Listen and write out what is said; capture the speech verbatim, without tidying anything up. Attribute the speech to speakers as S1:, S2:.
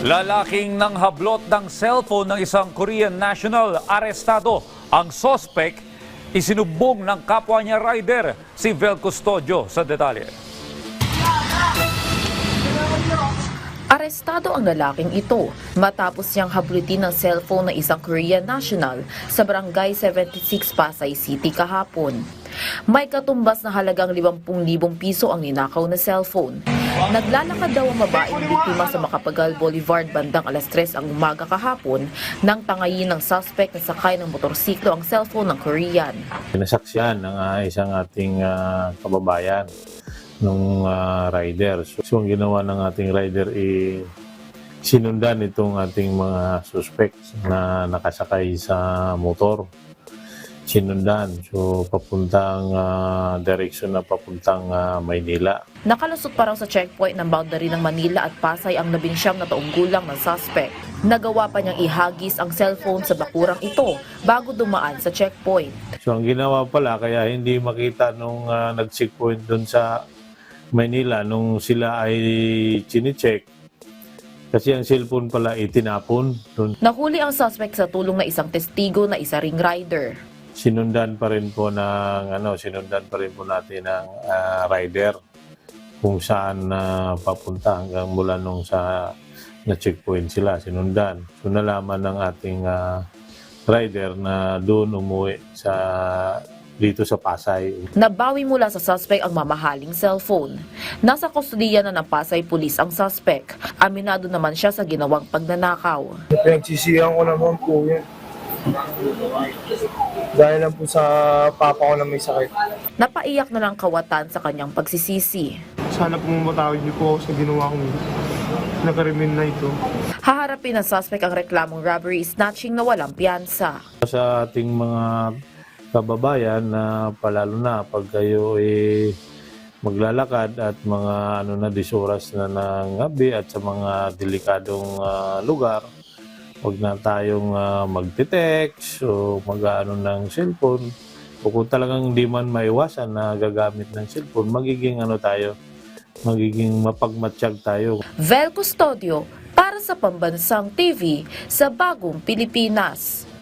S1: Lalaking nanghablot ng cellphone ng isang Korean national, arestado. Ang sospek, isinubong ng kapwa niya rider, si Vel Custodio sa detalye.
S2: Arestado ang lalaking ito matapos niyang hablutin ng cellphone ng isang Korean national sa Barangay seventy-six, Pasay City kahapon. May katumbas na halagang limampu libong piso ang ninakaw na cellphone. Naglalakad daw ang babaeng biktima sa Macapagal Boulevard bandang alas tres ang umaga kahapon nang tangayin ng suspect na sakay ng motorsiklo ang cellphone ng Korean.
S3: Pinasaksihan ng uh, isang ating uh, kababayan ng uh, rider. So, so ang ginawa ng ating rider ay sinundan itong ating mga suspects na nakasakay sa motor. Sinundan. So papuntang uh, direksyon na papuntang uh, Maynila.
S2: Nakalusot pa raw sa checkpoint ng boundary ng Manila at Pasay ang labing siyam na taong gulang ng suspect. Nagawa pa niyang ihagis ang cellphone sa bakurang ito bago dumaan sa checkpoint.
S3: So ang ginawa pala kaya hindi makita nung uh, nag-checkpoint doon sa Manila nung sila ay chine-check. Kasi ang cellphone pala itinapon doon.
S2: Nahuli ang suspect sa tulong na isang testigo na isa ring rider.
S3: Sinundan pa rin po ng ano, sinundan pa rin po natin ng uh, rider kung saan uh, papunta hanggang mula nung sa na checkpoint sila sinundan. So nalaman ng ating uh, rider na doon umuwi sa dito sa Pasay.
S2: Nabawi mula sa suspect ang mamahaling cellphone. Nasa kustudiya na ng Pasay Police ang suspect. Aminado naman siya sa ginawang pagnanakaw.
S4: Pinagsisihan ko naman po yun. Dahil lang po sa papa ko na may sakit.
S2: Napaiyak na ng kawatan sa kanyang pagsisisi.
S4: Sana po matawid niyo po ako sa ginawa kong nakarimin na ito.
S2: Haharapin ng suspect ang reklamong robbery snatching na walang piyansa.
S3: Sa ating mga kababayan na palalo na pag kayo eh, maglalakad at mga ano na disoras na ng gabi at sa mga delikadong uh, lugar, huwag na tayong uh, magte-text o mag-ano ng cellphone. O kung talagang hindi man maiwasan na gagamit ng cellphone, magiging ano tayo, magiging mapagmatsyag tayo.
S2: Vel Custodio para sa Pambansang T V sa Bagong Pilipinas.